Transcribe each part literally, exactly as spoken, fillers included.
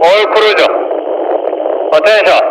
All cruiser. Attention.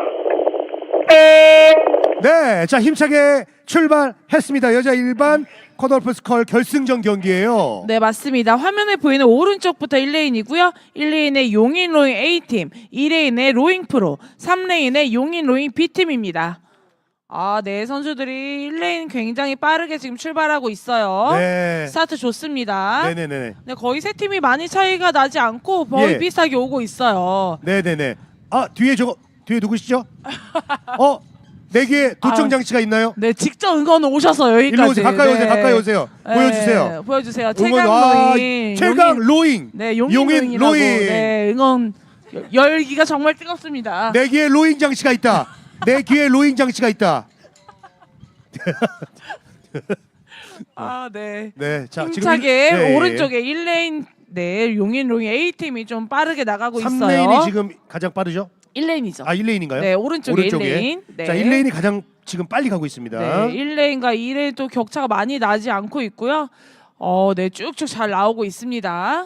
네, 자 힘차게 출발했습니다. 여자 일반 컷오프 스컬 결승전 경기예요. 네, 맞습니다. 화면에 보이는 오른쪽부터 일 레인이고요. 일 레인의 용인 로잉 A팀, 이 레인의 로잉 프로, 삼 레인의 용인 로잉 B팀입니다. 아, 네, 선수들이 일 레인 굉장히 빠르게 지금 출발하고 있어요. 네. 스타트 좋습니다. 네네네. 네, 거의 세 팀이 많이 차이가 나지 않고 거의 예. 비슷하게 오고 있어요. 네네네. 아 뒤에 저거 뒤에 누구시죠? 어? 네 개의 도청 아, 장치가 있나요? 네, 직접 응원 오셔서 여기까지. 일로 오세요. 가까이 네. 오세요. 가까이 오세요. 네, 보여주세요. 보여주세요. 응원, 최강 아, 로잉. 최강 용인, 로잉. 네, 용인, 용인 로잉이라고. 로잉. 네, 응원 열기가 정말 뜨겁습니다. 네 개의 로잉 장치가 있다. 네 개의 로잉 장치가 있다. 아, 네. 네, 자 힘차게 지금 일- 네, 오른쪽에 일 레인 네, 용인 로잉 A팀이 좀 빠르게 나가고 삼 있어요. 레인이 지금 가장 빠르죠? 일 레인이죠. 아 일 레인인가요? 네, 오른쪽에 일 레인. 네. 자 일 레인이 가장 지금 빨리 가고 있습니다. 네, 일 레인과 이 레인 또 격차가 많이 나지 않고 있고요. 어, 네, 쭉쭉 잘 나오고 있습니다.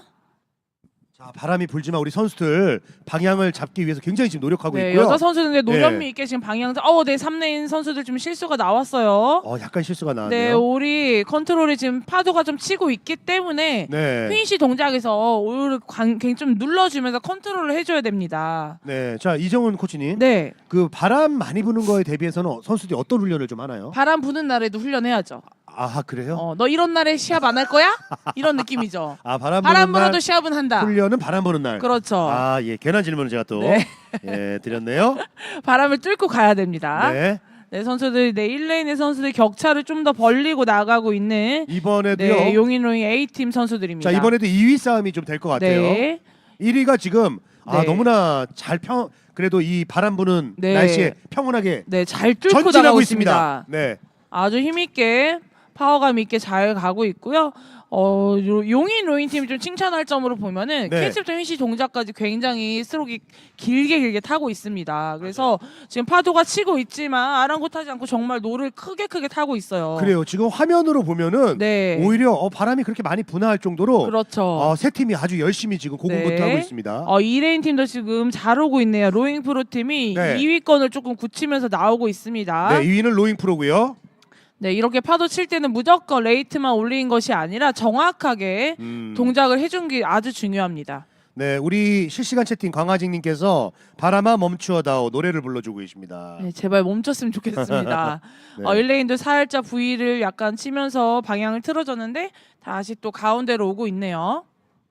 자 바람이 불지만 우리 선수들 방향을 잡기 위해서 굉장히 지금 노력하고 네, 있고요. 여자 선수들 노련미 네. 있게 지금 방향 어, 네, 삼 레인 선수들 좀 실수가 나왔어요. 어 약간 실수가 네, 나왔네요. 우리 컨트롤이 지금 파도가 좀 치고 있기 때문에 네. 휘인시 동작에서 오히려 관- 굉장히 좀 눌러주면서 컨트롤을 해줘야 됩니다. 네, 자 이정훈 코치님, 네, 그 바람 많이 부는 거에 대비해서는 선수들이 어떤 훈련을 좀 하나요? 바람 부는 날에도 훈련해야죠. 아 그래요? 어, 너 이런 날에 시합 안 할 거야? 이런 느낌이죠. 아 바람 부는 바람 날 불어도 시합은 한다. 훈련은 바람 부는 날. 그렇죠. 아 예, 괜한 질문을 제가 또 네. 예, 드렸네요. 바람을 뚫고 가야 됩니다. 네, 네, 선수들, 네, 일 레인의 선수들 격차를 좀 더 벌리고 나가고 있는 이번에도요. 네, 용인 로잉 A팀 선수들입니다. 자 이번에도 이 위 싸움이 좀 될 것 같아요. 네. 일 위가 지금 아 네. 너무나 잘 평 그래도 이 바람 부는 네. 날씨에 평온하게 네, 잘 뚫고 전진하고 나가고 있습니다. 있습니다. 네, 아주 힘있게 파워감 있게 잘 가고 있고요. 어, 요- 용인 로잉 팀이 좀 칭찬할 점으로 보면은 네. 캐치부터 휘시 동작까지 굉장히 스트로크 길게 길게 타고 있습니다. 그래서 지금 파도가 치고 있지만 아랑곳하지 않고 정말 노를 크게 크게 타고 있어요. 그래요. 지금 화면으로 보면은 네. 오히려 어, 바람이 그렇게 많이 분화할 정도로 그렇죠. 어, 세 팀이 아주 열심히 지금 고군분투하고 네. 있습니다. 어, 이 레인 팀도 지금 잘 오고 있네요. 로잉 프로 팀이 네. 이 위권을 조금 굳히면서 나오고 있습니다. 네, 이 위는 로잉 프로고요. 네, 이렇게 파도 칠 때는 무조건 레이트만 올린 것이 아니라 정확하게 음. 동작을 해준 게 아주 중요합니다. 네, 우리 실시간 채팅 광하직님께서 바람아 멈추어다오 노래를 불러주고 계십니다. 네, 제발 멈췄으면 좋겠습니다. 네. 어, 일 레인도 살짝 V를 약간 치면서 방향을 틀어줬는데 다시 또 가운데로 오고 있네요.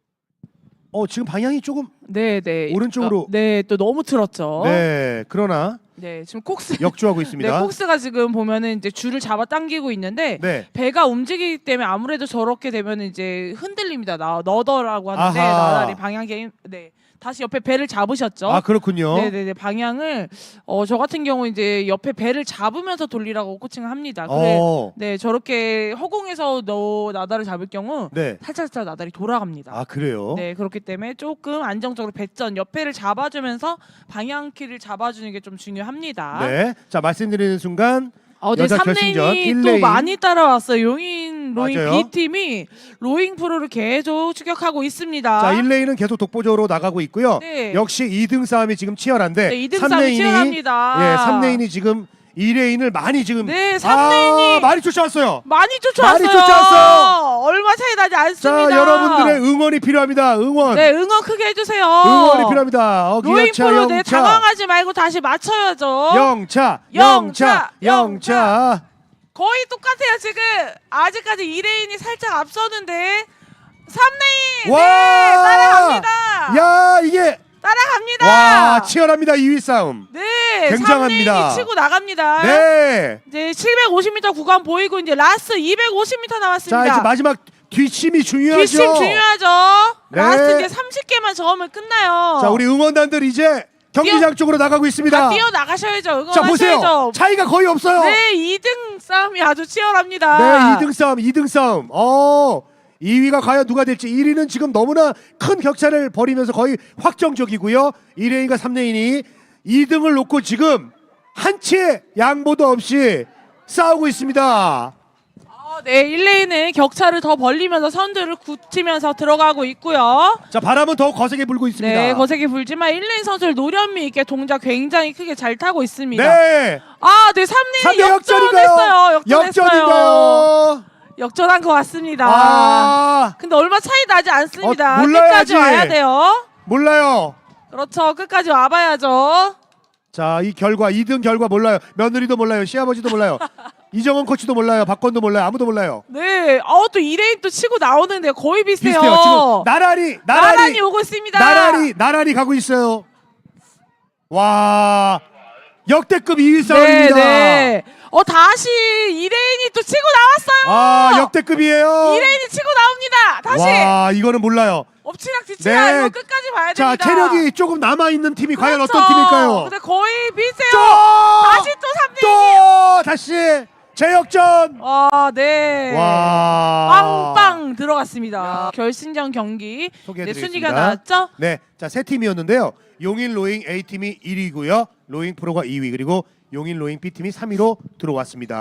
어 지금 방향이 조금 네, 네. 오른쪽으로. 어, 네, 또 너무 틀었죠. 네, 그러나 네, 지금 콕스. 역주하고 네, 있습니다. 콕스가 지금 보면은 이제 줄을 잡아 당기고 있는데 네, 배가 움직이기 때문에 아무래도 저렇게 되면 이제 흔들립니다. 나 너더라고 하는데 아하. 나날이 방향 게임. 네, 다시 옆에 배를 잡으셨죠. 아 그렇군요. 네네네 방향을 어 저 같은 경우 이제 옆에 배를 잡으면서 돌리라고 코칭을 합니다. 그래, 어, 네 저렇게 허공에서 너 나다를 잡을 경우 네, 살짝살짝 나달이 돌아갑니다. 아 그래요. 네 그렇기 때문에 조금 안정적으로 배전 옆에를 잡아주면서 방향키를 잡아주는 게 좀 중요합니다. 네, 자 말씀드리는 순간 어, 네, 여자 삼 결승전 레인이 일 또 레인. 많이 따라왔어요. 용인 로잉 맞아요. B팀이 로잉 프로를 계속 추격하고 있습니다. 자 일 레인은 계속 독보적으로 나가고 있고요. 네. 역시 이 등 싸움이 지금 치열한데 네, 이 등 삼 싸움이 레인이 치열합니다. 예, 삼 레인이 지금 이 레인을 많이 지금 네, 삼 아, 레인이 많이 쫓아왔어요. 많이 쫓아왔어요. 많이 쫓아왔어요. 얼마 차이 나지 않습니다. 자, 여러분들의 응원이 필요합니다. 응원. 네 응원 크게 해주세요. 응원이 필요합니다. 어, 로잉 기아차 프로 네 영차. 당황하지 말고 다시 맞춰야죠. 영차, 영차, 영차, 영차. 거의 똑같아요 지금. 아직까지 이 레인이 살짝 앞서는데 삼 레인 와! 네 따라갑니다. 야, 이게 따라갑니다. 와, 치열합니다. 이 위 싸움. 네 굉장합니다. 삼 레인이 치고 나갑니다. 네. 이제 칠백오십 미터 구간 보이고 이제 라스트 이백오십 미터 남았습니다. 자, 이제 마지막 뒷심이 중요하죠. 뒷심 중요하죠. 네. 라스트 이제 삼십 개만 저으면 끝나요. 자, 우리 응원단들 이제 경기장 쪽으로 나가고 있습니다. 다 뛰어 나가셔야죠. 자, 보세요. 응원하셔야죠. 차이가 거의 없어요. 네, 이 등 싸움이 아주 치열합니다. 네, 이 등 싸움, 이 등 싸움. 어, 이 위가 과연 누가 될지. 일 위는 지금 너무나 큰 격차를 벌이면서 거의 확정적이고요. 일 레인과 삼 레인이 이 등을 놓고 지금 한 치의 양보도 없이 싸우고 있습니다. 아, 네, 일 레인은 격차를 더 벌리면서 선두를 굳히면서 들어가고 있고요. 자, 바람은 더 거세게 불고 있습니다. 네, 거세게 불지만 일 레인 선수를 노련미 있게 동작 굉장히 크게 잘 타고 있습니다. 네. 아, 네, 삼 레인이 삼 대 역전인가요? 역전했어요. 역전했어요. 역전인가요? 역전한 것 같습니다. 아, 근데 얼마 차이 나지 않습니다. 어, 몰라야지. 끝까지 와야 돼요. 몰라요. 그렇죠. 끝까지 와봐야죠. 자, 이 결과 이 등 결과 몰라요. 며느리도 몰라요. 시아버지도 몰라요. 이정원 코치도 몰라요. 박건도 몰라요. 아무도 몰라요. 네, 어, 또 이 레인 또 치고 나오는데 거의 비슷해요. 비슷해요. 지금 나란히 나란히 나란히 오고 있습니다. 나란히 나란히 가고 있어요. 와, 역대급 이 위 네, 싸움입니다. 네. 어, 다시 이 레인이 또 치고 나왔어요. 아, 역대급이에요. 이 레인이 치고 나옵니다. 다시 와, 이거는 몰라요. 엎치락 뒤치락 네. 이거 끝까지 봐야 자, 됩니다. 체력이 조금 남아 있는 팀이 과연 그렇죠. 어떤 팀일까요? 근데 거의 비슷해요. 또! 다시 또 삼 레인이에요. 또 다시 재역전. 와, 네. 와, 빵빵 들어갔습니다. 결승전 경기 네, 소개해드리겠습니다. 순위가 나왔죠? 네, 자, 세 팀이었는데요. 용인 로잉 A팀이 일 위고요. 로잉 프로가 이 위, 그리고 용인 로잉 B팀이 삼 위로 들어왔습니다.